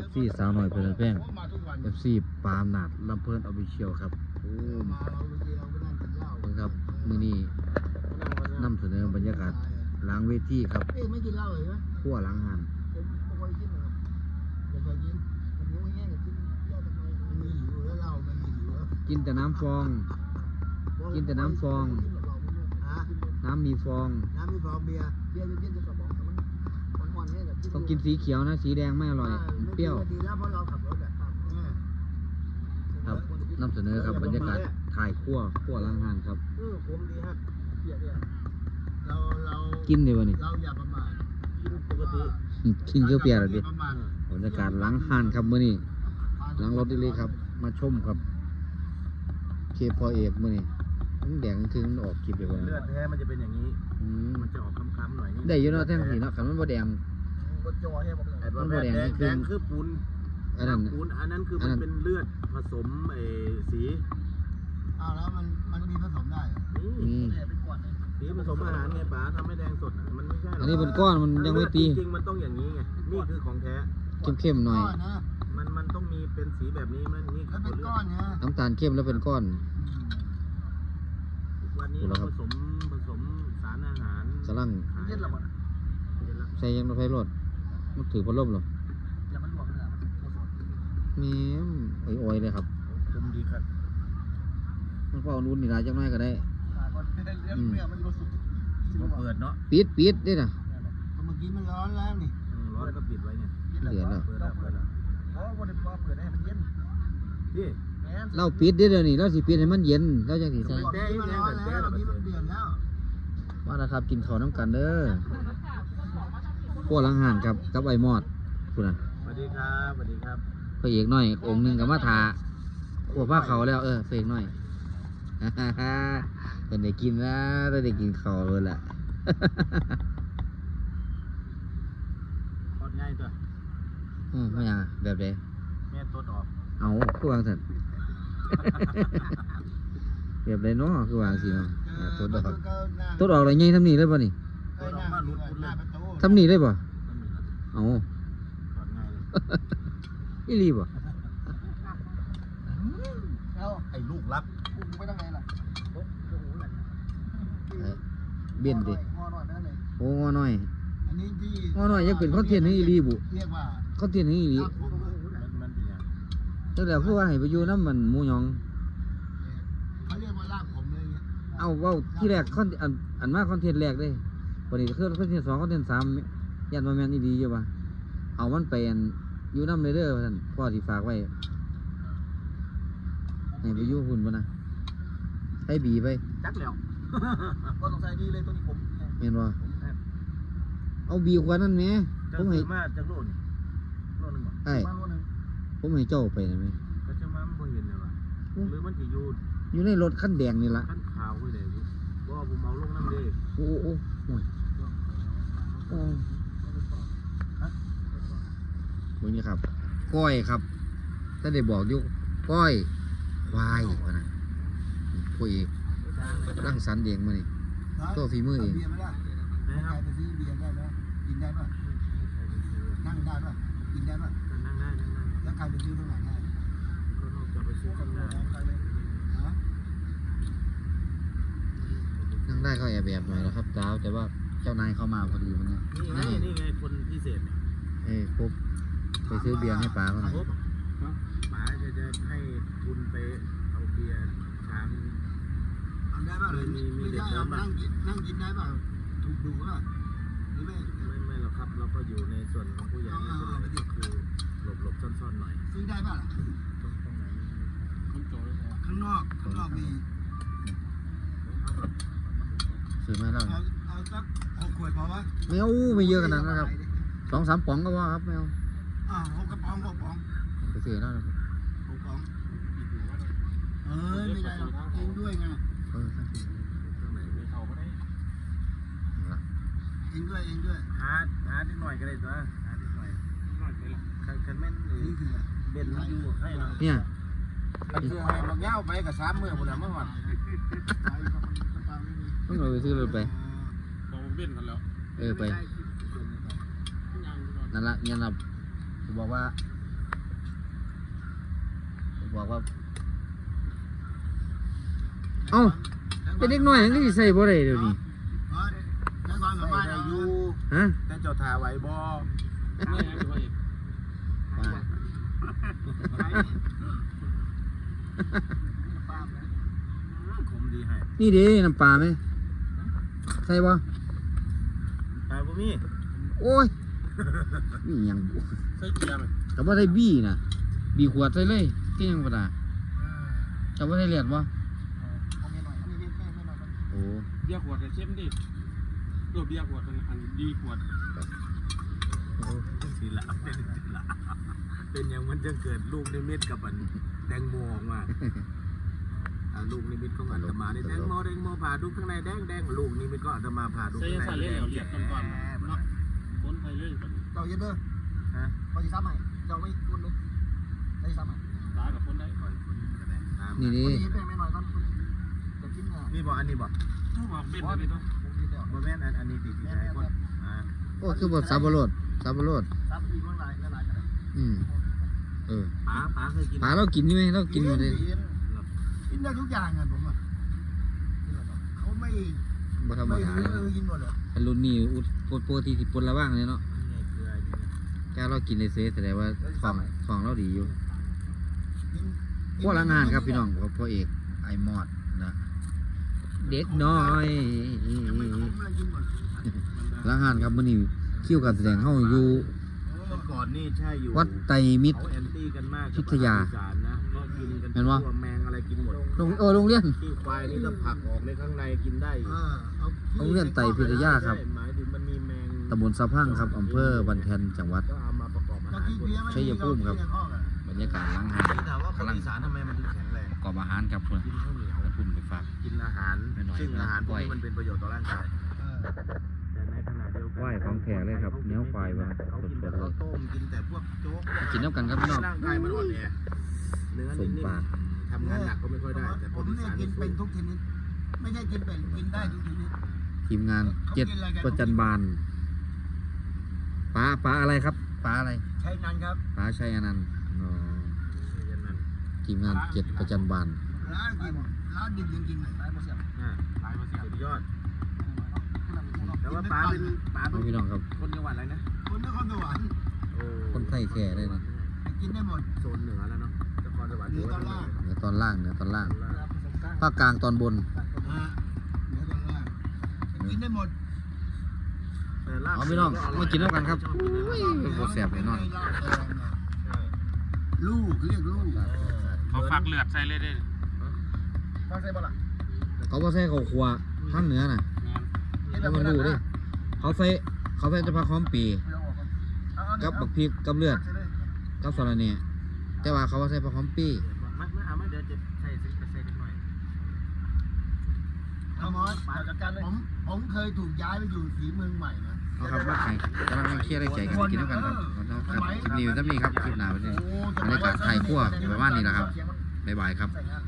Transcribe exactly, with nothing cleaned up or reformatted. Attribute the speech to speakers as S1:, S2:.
S1: ซีสาวหน่อยเพื่อนแป้ง เอฟ ซี ปามนาดลำเพลินออฟฟิเชียลครับโอ้เบิ่งครับมื้อนี้นำเสนอบรรยากาศหลังเวทีครับไม่กินเหล้าเลยไหมขั้วหลังหันผมไม่ค่อยกินนะครับไม่ค่อยกินผมยังไม่แห้งกับกินเยอะทำไมมันมีหิวแล้วเหล้ามันมีหิวกินแต่น้ำฟองกินแต่น้ำฟองน้ำมีฟองน้ำมีฟองเบียร์เบียร์เย็นๆจะกระบอกมันอ่อนๆเนี่ยต้องกินสีเขียวนะสีแดงไม่อร่อยเปรี้ยวครับนำเสนอครับบรรยากาศถ่ายขั้วขั้วล้างหานครับกินดีวะนี่กินเกลือเปียกเลยดิบรรยากาศล้างหานครับมื้อนี้ล้างรถได้เลยครับมาชมครับเคพอเอกมื้อนี้แดงถึงออกคลิปเลยว่า
S2: เลือดแท้มันจะเป็นอย่างนี้มันจะออกค้ำๆหน่อยนี่
S1: ได้อยู่เนาะแท่งสีเนาะขันมันบ่แดง
S2: มันบ่แดงแดงคือปูนอันนั้นปูนอันนั้นคือมันเป็นเลือดผสมไอ้สี
S3: อ้าวแล้วมันมันมีผสมได้
S1: นี่
S2: สีผสมอาหารไงป๋าทำให้แดงสดมันไม่ใช่
S1: อันนี้เป็นก้อนมันยังไม่ตี
S2: จริงมันต้องอย่างนี้ไงนี่คือของแท้
S1: เข้มๆหน่อย
S2: มันมันต้องมีเป็นสีแบบนี้มันนี่
S3: คือเป็นก้อนเนี่ย
S1: น้ำตาลเข้มแล้วเป็นก้อน
S2: วันนี้เราผสมผสมสารอาหาร
S1: กำลังใส่ยังรถไฟรถมันถือพัดลมหรอแม่ไอ้อ้อยเลยครับ
S2: คุมดีครับ
S1: มันก็เอานุ่นนี่ลายจังน้อยก็ได้
S2: เปิดเนาะ
S1: ปิดปิดได้น่ะ
S3: เมื่อกี้มันร้อนแล้วนี่
S2: ร้อนก็ปิดไว้ไง
S1: เหลือแล้ว
S2: เปิดแล้วเปิดแล้ว
S3: เพราะวันนี้พอเปิดให้มันเย็น
S2: พี่
S1: เราปิดได้เดี๋ยวนี้เราสิปิดให้มันเย็นเราจะสิใส่
S2: แต่ยังแต่แต่เราเดือดแล้ว
S1: ว่าแล้วครับกินข้าวน้ำกันเด้อพวกลังหันครับกับไอ้มอดคุณน่ะ
S2: สวัสดีครับสวัสดีครับ
S1: พระเอกน้อยองค์หนึ่งกับมาทาขวบผ้าเขาแล้วเออพระเอกน้อยเป็นได้กินแล้วได้กินข้าวเลยแหละ
S2: ทอดง่ายตัว
S1: อืมไม่ยังแบบเด
S2: แม่ตัวออก
S1: เอาคือวางสันแบบเดเนาะคือวางสิเนาะตัวดอกตัวดอกอะไรไงทำนี่ได้ป่ะนี่ทำนี่ได้ป่ะเอาอีรีป่ะ
S2: ไอ้ลูกรัก
S3: ไม่ต้องไงล่ะ
S1: เบี้ยนดิโอ้งอหน่อย
S3: อันนี้ที่
S1: งอหน่อยยังเป็นคอนเทนต์ให้อีรีบุ
S3: เรียกว่า
S1: คอนเทนต์ให้อีรีนั่นแหละคือว่าให้ไปอยู่น้ำมันหมูยอง
S3: เขาเรียกว่าลากผมเลย
S1: เอาว่าที่แรกคอนอันอันมากคอนเทนต์แรกเลยวันนี้คือคอนเทนต์สองคอนเทนต์สามยันมาแมนอีรีอยู่ป่ะเอามันไปอยู่น้ำเลยเด้อท่านพ่อที่ฝากไว้ให้ไปอยู่หุ่นป่ะนะใช้บีไป
S2: จักแล้วก็ต้องใส่ดีเลยตัวนี้ผม
S1: เห็นป่ะเอาบีกว่านั้นไหม
S2: ผมให้มาจากโลนโลนึงบ่
S1: ไอ้ผมให้เจ้าไปได้ไหม
S2: ก็จะมาบ่เห็นเลยว่ะหรือมันจะอยู่
S1: อยู่ในรถคันแดงนี่ละ
S2: คันขาวไว้เลยบ่ผมเอาลงน้ำเลย
S1: โอ้โอ้โอ้โอ้มึงนี่ครับก้อยครับถ้าได้บอกยุก้อยควายพนะคุยร่างสรรค์เองมานี่ตัวฝีมือเอง
S3: กินได้ป่ะนั่งได้ป่ะกินได้ป่ะ
S2: นั่งได้นั่งได้
S3: แล้วใครไปซื้อตรงไหนได้
S2: ก็นอกจากไปซื้อข้างหน้า
S1: นั่งได้ก็แอบแบบหน่อยแล้วครับเจ้าแต่ว่าเจ้านายเข้ามาพอดีวันนี้
S2: นี่ไงนี่ไงคนพิเศษ
S1: เอ้ปุ๊บไปซื้อเบียร์ให้ป้าเขาหน่อย
S2: ป้าจะจะให้ทุนไปเอาเบียร์ช้าง
S3: ได้ป่ะเลยมีมีเด็กนั่งกินนั่งกินได้ป่ะถูกดูป่ะหรือไม่
S2: ไม่ไม่หรอกครับเราก็อยู่ในส่วนของผู้ใหญ่นี่ก็คือหลบหลบซ่อนๆหน่อย
S3: ซื้อได้ป่ะ
S2: ตรงตรงไหน
S3: ข้างนอกข้างนอกมี
S1: ซื้อมาแล้ว
S3: เอาสักหกขวดพอวะ
S1: ไม่เอาไม่เยอะขนาดนั้นครับสองสามป๋องก็ว่าครับไม่เอา
S3: อ่าหกกระป๋องหกป๋อง
S1: ไปซื้อแล้วนะครับ
S3: หกป๋องเออไม่ได้เองด้วยไง
S1: เออ
S2: ตรงไหนไม่เข้าก็ได้
S3: เองด้วยเองด้วย
S2: หาหานิดหน่อยก็ได้ตัวหานิดหน่อยหน่อยไปละคันคันแม่น
S3: นี่คือ
S2: เบ็ดมันอยู่ให้เรา
S1: เนี่ย
S2: มันคือให้บางเย้าไปกับสามมือหมดแล้วเมื่อวาน
S1: ต้องเอาไปซื้อเลยไป
S2: บอกเบ็ดกันแล้ว
S1: เออไปนั่นละเนี่ยนะบอกว่าบอกว่าเอ้าเป็นเด็กน้อยยังสิใส่บ่ได้เดี๋ยวนี้
S3: แล้วก่อนกับบ้าน
S2: ได้
S3: อา
S2: อ
S3: ยุ
S2: ยู่
S1: ฮะ
S2: แต่เจ้าทาไหวบ่
S1: ป้า
S2: คมดีให้
S1: นี่เด้น้ำปลาไหมใส่บ่
S2: ตายบ่มี
S1: โอ้ยนี่หยังบ่
S2: ใส่เกียร์ไหม
S1: ก็บ่ได้บี้น่ะบี้ขวดใส่เลยที่ยังบ่ได้ก็บ่ได้เลียดบ่โอ้
S4: เบียร์ขวดเนี่ยเข้มดิตัวเบียร์ขวดมันอันดีขวด
S2: สิละเป็นสิละเป็นอย่างมันจะเกิดลูกนิมิตกับอันแตงโมออกมาอ่าลูกนิมิตของอาตมานี่แตงโมแตงโมผ่าดูข้างในแดงแดงลูกนิมิตก็อาตมาผ่าดู
S4: ใส่
S2: ข้างใน
S4: ใส่
S2: แด
S4: เล่
S2: ง
S4: เหลียดก่อนๆเนาะคนไทยเล่ก่อน
S3: เราเย็นเด้อ
S2: ฮะ
S3: พอจะซ้ำใหม่เราไม่คุ้นเลยได้ซ้ำใหม่
S4: ตายกับคนได้
S2: ปล่อยคนก็ได้ตาม
S1: นี่
S3: พ
S1: ดิ
S3: อดีเป็นไม่น้อยตอนจะกินเนี่ย
S2: นี่บอกอันนี้บอก
S4: ผู้บอกเบ็ดเลยเนาะ
S3: ผมกินแล้ว
S2: บ่แม่นอันอันนี้ติดที่ไหนคนอ่า
S1: โอ้คือบ่สับปะรดสับปะรด
S3: ซ้ำอีกเมื่อไรเมื่อไรกัน
S1: อืมเออ
S2: ป๋าป๋าเคยกิน
S1: ปลาเรากินนี่ไหมเรากินอยู่เลย
S3: กินได้ทุกอย่างอ่ะผมอ่ะเขาไม่
S1: บ่ธรรม
S3: ไม่
S1: ดา
S3: รู้
S1: เลย
S3: เลยกินหมดเลย
S1: อันรุ่นนี้อุดปกติสิปนละว่างเลยเนาะ
S2: นี่ไงเกลือนี่ไง
S1: แค่เรากินในเซแสดงว่าของของเราดีอยู่พวกละงานครับพี่น้องกับพ่อเอกไอมอดนะเด็กน้อยละงานครับมื้อนี้คิวการแสดงเฮาอยู่
S2: เมื่อก่อนนี่ใช่อยู่
S1: วัดไตรมิตร
S2: เขาแอนตี้กันมาก
S1: พิทยา
S2: อีสานนะก็กินกัน
S1: เห็นปะ
S2: ทั่วแมงอะไรกินหมด
S1: โรงโอ้โรงเรียน
S2: ที่ควายนี่ถ้าผักออกในข้างในกินได้อีก
S1: โรงเรียนไตรพิทยาครับ
S2: หมายถึงมันมีแมง
S1: ตำบลสะพังครับอำเภอบันแทนจังหวัด
S2: ก็เอามาประกอบอาหารบน
S1: ชัยภูมิครับ บรรยากาศหล้างหาด
S2: ถามว่าคน
S1: กำลัง
S2: อีสานทำไมมันถึงแข็งแรง
S1: ประกอบอาหารครับเพื่อน
S2: กินข้าวเหนียว
S1: แล้วพุ่นไปฝาก
S2: กินอาหาร
S1: ไม่น้อย
S2: ซึ่งอาหารพวก
S1: ไหว
S2: นี้มันเป็นประโยชน์ต่อร่างกายแต่ในขณะเดียวกัน
S1: ไหวของแท้เลยครับเนื้อควายว่ะ
S2: เขากินแต่
S1: สดๆเลย
S2: ข้าวต้มกินแต่พวกโจ๊ก
S1: กินน้ำกันครับพี่น้อง
S2: ร่างกายมันอ่อนแอเนื้อ
S1: สม
S2: นิ่ม
S1: ปาก
S2: ๆทำงานหนักก็ไม่ค่อยได้ แต่ค
S3: ผ
S2: น
S3: ม
S2: อี
S3: เนี่ย
S2: สาน
S3: กิ
S2: นี่
S3: น
S2: สู้
S3: เป็นทุกชนิดไม่ใช่กินเป็นกินได้ทุกชนิด
S1: ทีมงานเจ็ดประจันบานป้าป้าอะไรครับป้าอะไร
S3: ใช้นั้นครับ
S1: ป้าชัยอนันต์อ๋อ
S2: อย่างนั้น
S1: ทีมงานเจ็ดประจันบาน
S3: ร้านกินร้านดิบยังกินเลยร้านโมเสียบ
S2: อ่า
S4: หลายเปอร์เซ็น
S2: สุ
S4: ต์
S2: ดยอด แต่ว่าป๋าเป็นป๋า
S1: น้
S2: เป็
S1: อง
S2: น
S1: พี่น้องครับ
S2: คนจังหวัดอะไรนะ
S3: คนนครสวรรค์
S2: โอ้
S1: คนไทยแท้เลยนะ
S3: กินได้หมด
S2: โซนเหนือแล้วเนาะนครสวรรค์
S3: เหนือตอนล่าง
S1: เหนือตอนล่างเหนือตอนล่างภาคกลางตอนบน
S3: เหนือตอนล่างกินได้หมด
S2: แต่ลาบ
S1: เอาพี่น้องมากินแล้วกันครับอุ้ยโคตรแซ่บเลยนอน
S3: ลูกเรียกลูก
S4: เขาฟักเลือดใส่เลยได้
S3: ฟังใส่บ่ล่ะ
S1: เขาบ่ใส่ข้าวคั่วทางเหนือน่ะ
S4: งาน
S1: แล้วมันรู้ดิเขาใส่เขาใส่จะพักหอมปีกับบักพริกกับเลือดกับสาระเนี่ยแต่ว่าเขาว่าใส่ผักหอมปี
S2: มามาเอามาเดี๋ยวจะใส่ใส่ใส่นิดหน่อย
S3: เอามอสผมผมเคยถูกย้ายไปอยู่สีเมืองใหม่นะ
S1: เอาครับว่าใครกำลังเครียดได้ใจกันกินแล้วกันครับครับคลิปนี้อยู่ที่นี่ครับคลิปหน้าวันนี้บรรยากาศไทยคั่วประมาณนี้แหละครับบ๊ายบายครับ
S3: ใส่งาน